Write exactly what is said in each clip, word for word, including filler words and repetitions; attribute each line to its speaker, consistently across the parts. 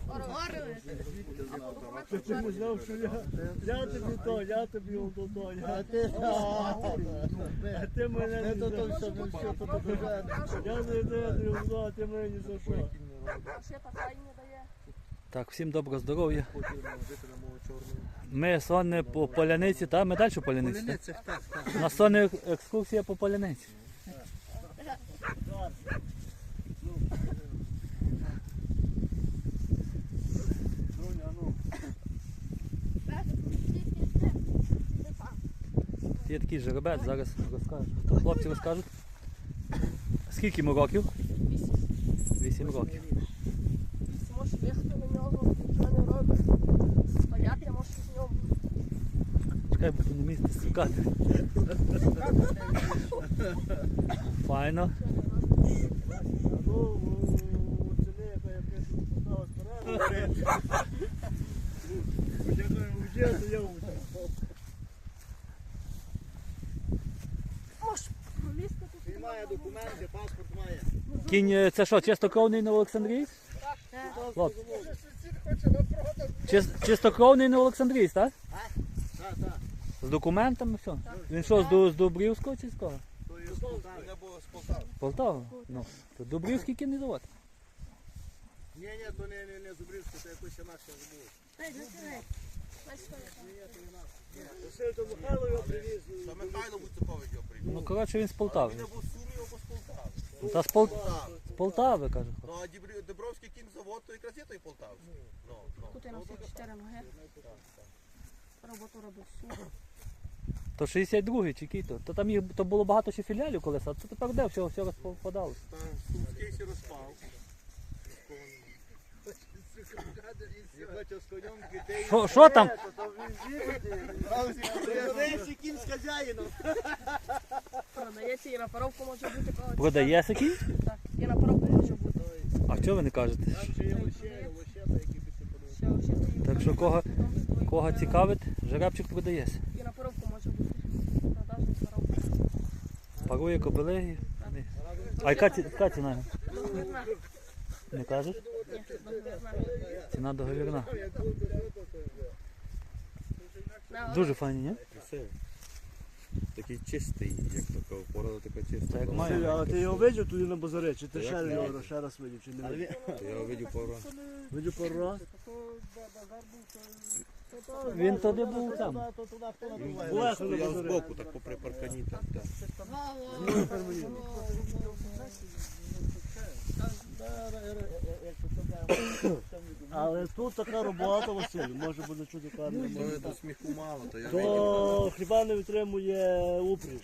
Speaker 1: Ти чому знав, що я, я тобі то, я тобі ото то, я ти, а ти мене не за що. Я не даю, а ти мене не за що.
Speaker 2: Так, всім доброго здоров'я. Ми сонне по Поляниці, та ми далі по Поляниці.
Speaker 3: Поляниця, так, так.
Speaker 2: У нас сонна екскурсія по Поляниці. Є такий жеребець, зараз розкажу. Хлопці розкажуть. Скільки йому років? Вісім років.
Speaker 4: Можеш їхати на нього, що не робиш. Стояти можеш з нього.
Speaker 2: Чекай, бо тут не місце скакати. Файно.
Speaker 1: Ну, ціни, яка я пишу, поставила спереду. Я кажу, вже, то я вже.
Speaker 4: Можеш пролізти тут.
Speaker 3: Він має документи, паспорт має.
Speaker 2: Кінь, це що, чистокровний на Олександрійсь? Хлопці. Чис- Чистокровний на Олександрійсь, так?
Speaker 3: Так, так.
Speaker 2: З документами все? Він що, з, Ду- з Дубрівського чи з кого?
Speaker 3: То є з Полтави. Не було з Полтави.
Speaker 2: Полтава? Ну, то Дубрівський кінезавод.
Speaker 3: Ні, ні, то не, не, не Зубрівське, це якось інакше забув.
Speaker 4: Ей, не сирай.
Speaker 1: Василь, то Михайло його привіз.
Speaker 5: Та Михайло Буцакович його привів.
Speaker 2: Ну, коротше, він з Полтави.
Speaker 5: Він або з Сумів, або з Полтави.
Speaker 2: Та з, Пол...
Speaker 5: Так.
Speaker 2: з Полтави, каже.
Speaker 5: Ну, а Дібрі- Дібровський кінзавод, то якраз є той Полтавський. Ну, ну.
Speaker 4: Тут я на всі чотири ноги. Роботу робив супер.
Speaker 2: То шістдесят другий чи який то? То там їх то було багато ще філіалів колись, а це тепер де все, все розпадалося.
Speaker 5: Та Сумський сі розпав.
Speaker 3: Не хочу з конем дітей.
Speaker 2: Що, що там?
Speaker 3: Продається кінь з хазяїном.
Speaker 4: Продається і на паровку може бути. коли-
Speaker 2: Продається кінь?
Speaker 4: Так, і на паровку може бути.
Speaker 2: А чого ви не кажете?
Speaker 3: Там ще є лоще, лоще, які би ти подивився.
Speaker 4: Ще ось є.
Speaker 2: Так що кого, кого цікавить, жеребчик продається.
Speaker 4: І на паровку може бути. Продажна паровка.
Speaker 2: Парує кобили. А яка, ці- яка ціна?
Speaker 4: Договірна.
Speaker 2: Не кажеш?
Speaker 4: Ні, договірна.
Speaker 2: Ціна договірна.
Speaker 4: На,
Speaker 2: Дуже файні, ні?
Speaker 5: Такий чистий, як така порода така чиста.
Speaker 2: Так як
Speaker 1: Василь,
Speaker 2: має.
Speaker 1: але ти його видів туди на базарі, чи ти ще його ще раз видів, чи не видів?
Speaker 5: Я його видів пару раз.
Speaker 1: Видів пару раз?
Speaker 2: Він туди був там.
Speaker 1: Булехо на
Speaker 5: Я
Speaker 1: базарі.
Speaker 5: збоку, так попри паркані там. так.
Speaker 1: Але тут така робота, Василь, може буде чути карне.
Speaker 5: Ну, то сміху мало, то я
Speaker 1: То хіба не витримує упріж.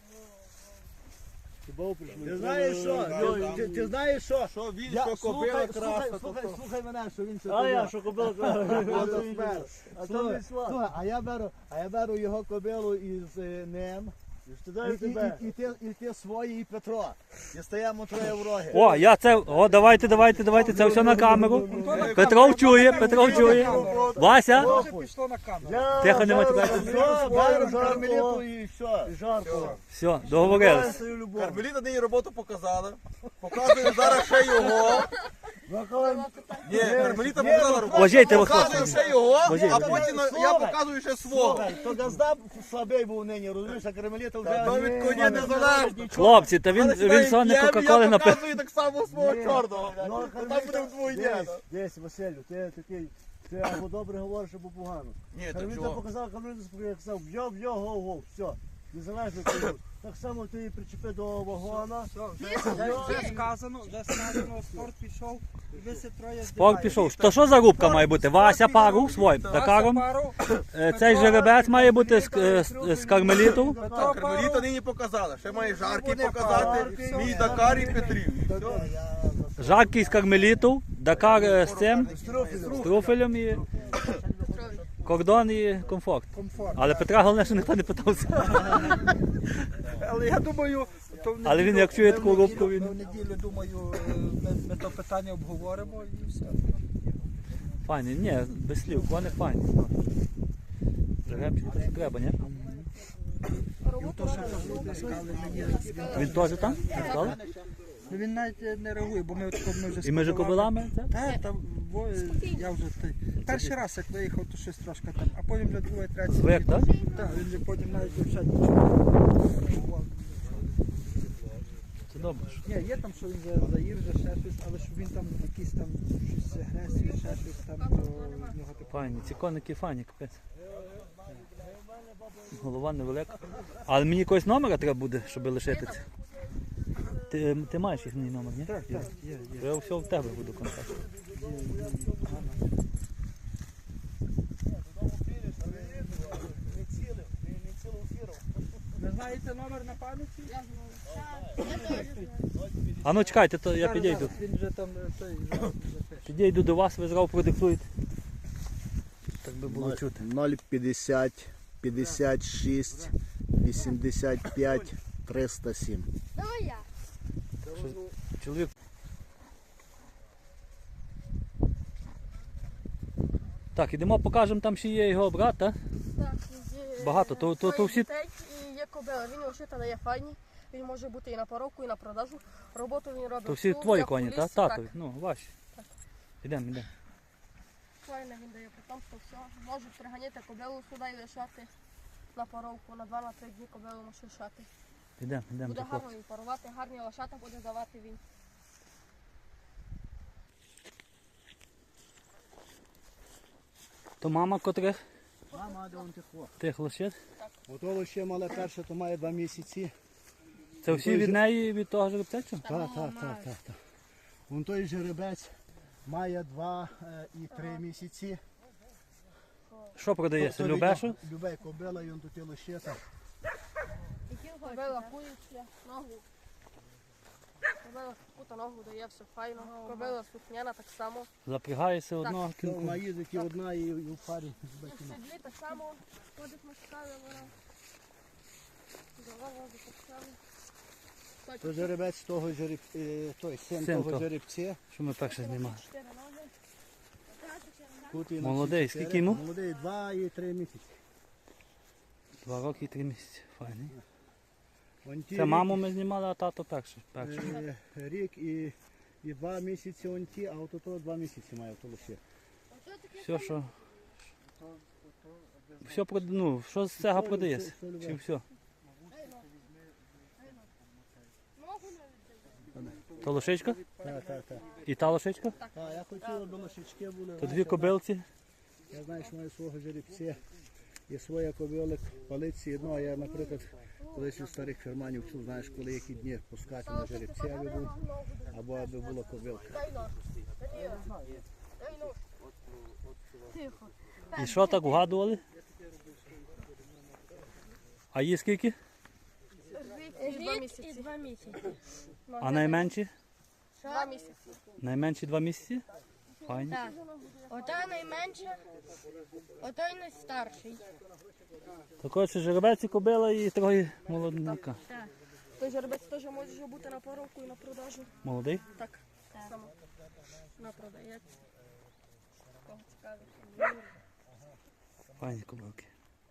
Speaker 1: Хіба упріж не
Speaker 3: Ти знаєш що?
Speaker 1: витримує?
Speaker 3: Ти, ти знаєш що?
Speaker 5: Що він,
Speaker 3: Я-
Speaker 5: що
Speaker 3: слухай,
Speaker 5: кобила
Speaker 3: слухай,
Speaker 5: краса,
Speaker 3: слухай,
Speaker 5: то то.
Speaker 3: слухай мене, що він це
Speaker 1: А я,
Speaker 3: кобила.
Speaker 1: що кобила
Speaker 3: А
Speaker 1: каже.
Speaker 3: то спершу.
Speaker 1: А то
Speaker 3: Слухай,
Speaker 1: не слава.
Speaker 3: слухай, а я беру, а я беру його кобилу із е, ним.
Speaker 1: Ти
Speaker 3: І,
Speaker 1: дай
Speaker 3: і,
Speaker 1: тебе.
Speaker 3: і, і, ти, і ти свої, і Петро. І стаємо троє в роги.
Speaker 2: О, я це. О, давайте, давайте, давайте. Це все на камеру. Петров чує, Петров чує. Вася.
Speaker 1: Я
Speaker 2: Тихо, не
Speaker 1: зараз-
Speaker 2: матюкайся.
Speaker 1: Все,
Speaker 3: Беру
Speaker 1: беру
Speaker 3: кармеліту
Speaker 1: жарко.
Speaker 3: і все.
Speaker 1: І жарко.
Speaker 2: Все, договорились.
Speaker 1: Свою любов.
Speaker 5: Кармеліна нині роботу показала. Показує зараз ще його. Ні, Кармеліта показала роботу.
Speaker 2: Вважайте, вас
Speaker 5: Показує ще його,
Speaker 2: Вважайте.
Speaker 5: а потім я показую ще свого.
Speaker 3: Слухай, то газда слабий був нині, розумієш, а кармеліта вже...
Speaker 5: То від коня не залежно.
Speaker 2: Хлопці, та він,
Speaker 5: Зараз
Speaker 2: він
Speaker 5: навіть
Speaker 2: сонне
Speaker 5: я-
Speaker 2: Кока-Коли
Speaker 5: Я
Speaker 2: напив.
Speaker 5: показую так само свого
Speaker 3: Ні.
Speaker 5: чорного.
Speaker 3: Ну,
Speaker 5: блядь. Там буде вдвоє.
Speaker 1: Десь, десь, Василю, ти такий, ти або добре говориш, або погано.
Speaker 5: Ні, так
Speaker 1: Кармеліта
Speaker 5: чого?
Speaker 1: показав, Кармеліта сказав, б'йо, б'йо, гов, гов, все. Незалежно кому. Так само ти її причепи до вагона.
Speaker 6: Вже сказано, вже сказано, спорт пішов, і ви все троє
Speaker 2: Спорт пішов. То що за рубка має бути? Вася пару своїм Дакаром. Е, Цей жеребець має бути з, е, з, з Кармеліту.
Speaker 5: Так, Кармеліта нині показала. Ще має жаркий показати, мій Дакар і Петрів. Все.
Speaker 2: Жаркий з Кармеліту, Дакар е, з цим, з труфелем і кордон і комфорт. Але Петра головне, що ніхто не питався.
Speaker 6: Але я думаю, то в
Speaker 2: Але він
Speaker 6: неділю-
Speaker 2: як чує
Speaker 6: ми в
Speaker 2: таку
Speaker 6: неділю-
Speaker 2: рубку, він-
Speaker 6: Ми в неділю, думаю, е, ми, ми то питання обговоримо і все.
Speaker 2: Файні, ні, без слів, вони файні. Жеребчик, то що треба, ні?
Speaker 4: Роботу робив.
Speaker 2: Він теж там? Сказали?
Speaker 6: Ну він навіть не реагує, бо ми от ми вже
Speaker 2: І між кобилами? це?
Speaker 6: Так, там бо я вже той. Перший раз як виїхав, то щось трошки там, а потім вже другий, третій.
Speaker 2: Звик, так?
Speaker 6: Так, він же потім навіть взагалі нічого.
Speaker 2: Це добре. що.
Speaker 6: Ні, є там, що він за- заїв, за ще щось, але щоб він там якісь там щось агресії, ще щось там, то в нього таке.
Speaker 2: Файні, ці коники файні, капець. Голова невелика. Але мені якогось номера треба буде, щоб лишити це. Ти, ти маєш їхній номер, ні?
Speaker 6: Так, так, є, є.
Speaker 2: Я все в тебе буду контакт.
Speaker 6: є, є, є. Ви знаєте номер на пам'яті?
Speaker 4: Я знаю. Я теж знаю.
Speaker 2: А ну чекайте, то я
Speaker 6: Зараз,
Speaker 2: підійду.
Speaker 6: зараз, Він вже там е, той вже запише.
Speaker 2: Підійду до вас, ви зразу продиктуєте. Так би було чути.
Speaker 3: ноль п'ятдесят п'ятдесят шість вісімдесят п'ять триста сім.
Speaker 4: Давай я.
Speaker 2: Чоловік. Так, ідемо, покажемо, там ще є його брат, так?
Speaker 4: Так, є
Speaker 2: Багато, то- то- то
Speaker 4: троє
Speaker 2: всі-
Speaker 4: дітей і є кобила. Він ошита дає файні. Він може бути і на поровку, і на продажу. Роботу він робить.
Speaker 2: То всі
Speaker 4: всю,
Speaker 2: твої
Speaker 4: як
Speaker 2: коні,
Speaker 4: у
Speaker 2: так?
Speaker 4: лісі,
Speaker 2: Татові, ну, ваші.
Speaker 4: Так.
Speaker 2: Ідемо, ідемо.
Speaker 4: Файне він дає потомство, все. Можуть приганяти кобилу сюди і лишати на поровку. На два-на три дні кобилу може лишати.
Speaker 2: Ідемо, ідемо
Speaker 4: Буде
Speaker 2: до хлопця.
Speaker 4: гарно і парувати, гарні лошата буде давати він.
Speaker 2: То мама котрих
Speaker 3: Мама, де он тихо.
Speaker 2: тих лошит.
Speaker 3: Ото ще мале перше, то має два місяці.
Speaker 2: Це всі від неї, від того жеребця? чи?
Speaker 3: Так, так, так, так, так. Вон той жеребець має два е, і три місяці.
Speaker 2: Що продається?
Speaker 3: То- то
Speaker 2: Любешу?
Speaker 3: від- Любе кобила, і он тут і лишета.
Speaker 4: Кобила кується, ногу. Кобила кута ногу дає, все файно. Кобила сукняна так само.
Speaker 2: Запрягається одного
Speaker 3: То
Speaker 2: кінку.
Speaker 3: вона їздить і одна, і, і в парі з
Speaker 4: В
Speaker 3: бакіна.
Speaker 4: седлі так само ходить мешкали вона. Голова так само.
Speaker 3: То жеребець того жереб... е, той син
Speaker 2: Син
Speaker 3: того
Speaker 2: того.
Speaker 3: жеребця.
Speaker 2: Що ми перше знімали?
Speaker 4: Чотири ноги.
Speaker 3: Тут і на
Speaker 2: Молодий,
Speaker 3: всі чотири.
Speaker 2: скільки йому?
Speaker 3: Молодий, два і три місяці.
Speaker 2: Два роки і три місяці. Файний.
Speaker 3: Вон ті
Speaker 2: Це
Speaker 3: рік-
Speaker 2: маму ми знімали, а тато перший. перший.
Speaker 3: Е, Рік і, і два місяці он ті, а от то два місяці має то лише.
Speaker 2: Все, що. Все прод... ну, що з цього продається?
Speaker 3: все, все,
Speaker 2: Чи все?
Speaker 4: Ногу не
Speaker 2: То лошичка?
Speaker 3: Так, так, так.
Speaker 2: І та лошичка?
Speaker 3: Так, я хотів, до лошечки були.
Speaker 2: То дві кобилці.
Speaker 3: Я знаю, що маю свого жеребця. Є своя кобилик, палиці одно, а я, наприклад, колись у старих ферманів чув, знаєш, коли які дні пускати на жеребця, аби був, або аби була кобилка.
Speaker 4: дай нож. Дай нож. Тихо.
Speaker 2: І що так вгадували? А їй скільки?
Speaker 4: Рік і два
Speaker 7: Рік і
Speaker 4: місяці.
Speaker 7: два місяці.
Speaker 2: А найменші?
Speaker 4: Два місяці.
Speaker 2: Найменші два місяці? Файні.
Speaker 7: Так. Отой найменший, отой найстарший.
Speaker 2: То коротше, жеребець і кобила і троє молодника.
Speaker 4: Той жеребець теж може бути на поровку і на продажу.
Speaker 2: Молодий?
Speaker 4: Так, само. На продається. Кого цікавить.
Speaker 2: Файні кобилки.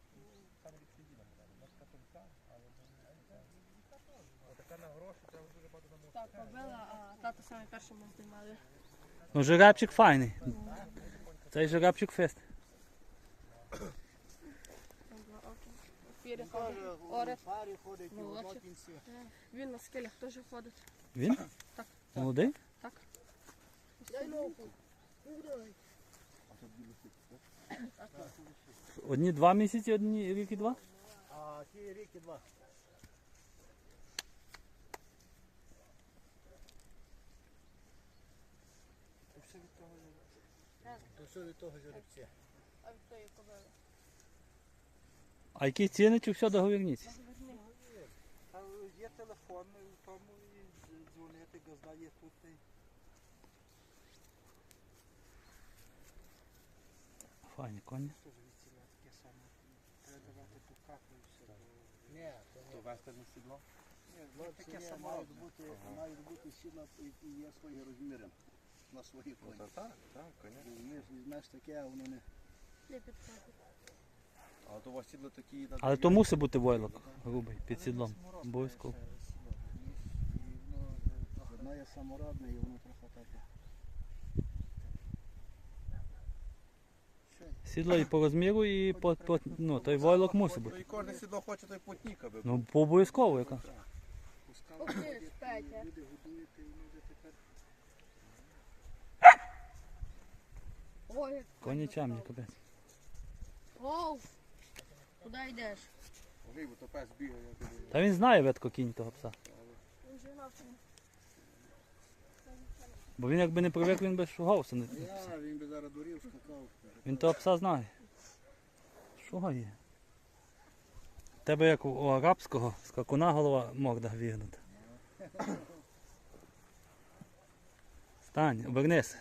Speaker 4: Так, кобила, а тато саме перший ми знімали.
Speaker 2: Ну, жеребчик файний. Цей жеребчик фест.
Speaker 4: Там два оки. Пірі ходить. Орет.
Speaker 3: Парі ходить
Speaker 4: і в одному
Speaker 3: кінці.
Speaker 4: Він на скелях теж ходить.
Speaker 2: Він?
Speaker 4: Так.
Speaker 2: Молодий?
Speaker 4: Так.
Speaker 2: Одні два місяці, одні рік і два?
Speaker 3: А ті рік і два. То все від того жеребця.
Speaker 4: А від тої кобили.
Speaker 2: А які ціни, чи все договірніться?
Speaker 6: Та є телефон у тому і дзвонити, газда є тут. і
Speaker 2: Файні коні.
Speaker 6: Теж відціля таке саме. Треба давати ту каплю і все. то-
Speaker 3: Ні, то
Speaker 5: То вести на сідло?
Speaker 6: Ні,
Speaker 3: хлопці
Speaker 6: таке
Speaker 3: ні,
Speaker 6: саме.
Speaker 3: мають бути, мають бути сіла і, і є свої розміри на свої коні.
Speaker 5: Та так, так, звісно.
Speaker 3: Візьмеш, візьмеш таке, а воно не...
Speaker 4: Не підходить.
Speaker 5: Але то у вас сідло такі надають.
Speaker 2: Але то мусить бути войлок грубий під сідлом. Обов'язково.
Speaker 3: І воно, воно є саморобне і воно трохи таке.
Speaker 2: Сідло і по розміру, і по, по ну, той войлок мусить
Speaker 5: То
Speaker 2: бути.
Speaker 5: і кожне сідло хоче той потнік, аби.
Speaker 2: Ну, по обов'язково яка.
Speaker 4: Ух ти ж, Петя.
Speaker 3: Люди годуєте, і люди тепер
Speaker 4: Ой, як
Speaker 2: Коні чемні, капець.
Speaker 7: Оу. Куди йдеш?
Speaker 5: Ой, бо то пес бігає, я тобі.
Speaker 2: Та він знає ветко кінь того пса.
Speaker 4: він же навчив.
Speaker 2: Бо він якби не привик, він би шугався. Не-
Speaker 3: я, він би зараз дурів, скакав.
Speaker 2: Він того пса знає. Що є? Тебе як у арабського скакуна голова морда вігнута. Стань, обернись.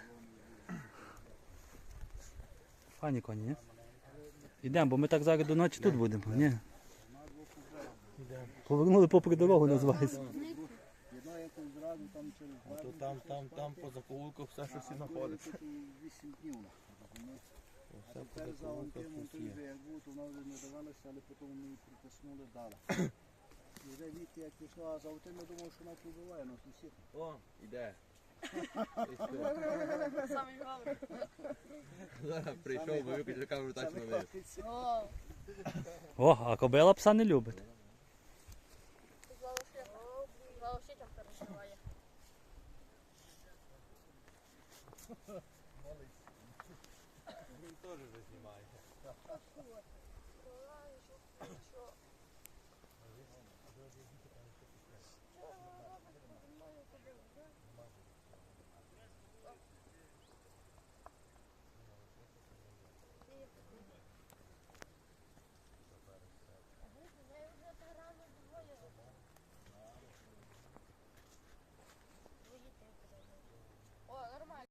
Speaker 2: Фані коні, ні? Ідемо, бо ми так зараз до ночі тут будемо, ні? Повернули попри дорогу, називається.
Speaker 3: Одна якось зразу там через два
Speaker 5: То там, там, там по закоулках все щось і знаходиться.
Speaker 3: тут і вісім днів. розумієш? А тепер за Валентином той вже як був, то вона вже не давалася, але потім ми її притиснули, дали. І вже Віті як пішла, а за Валентин я думав, що вона побиває нас усіх.
Speaker 5: О, іде.
Speaker 4: Самий головний.
Speaker 5: Зараз прийшов, бо виключив камеру так на неї.
Speaker 4: О,
Speaker 2: О, а кобила пса не любить.
Speaker 4: Залошитям переживає.
Speaker 5: Він теж вже знімає.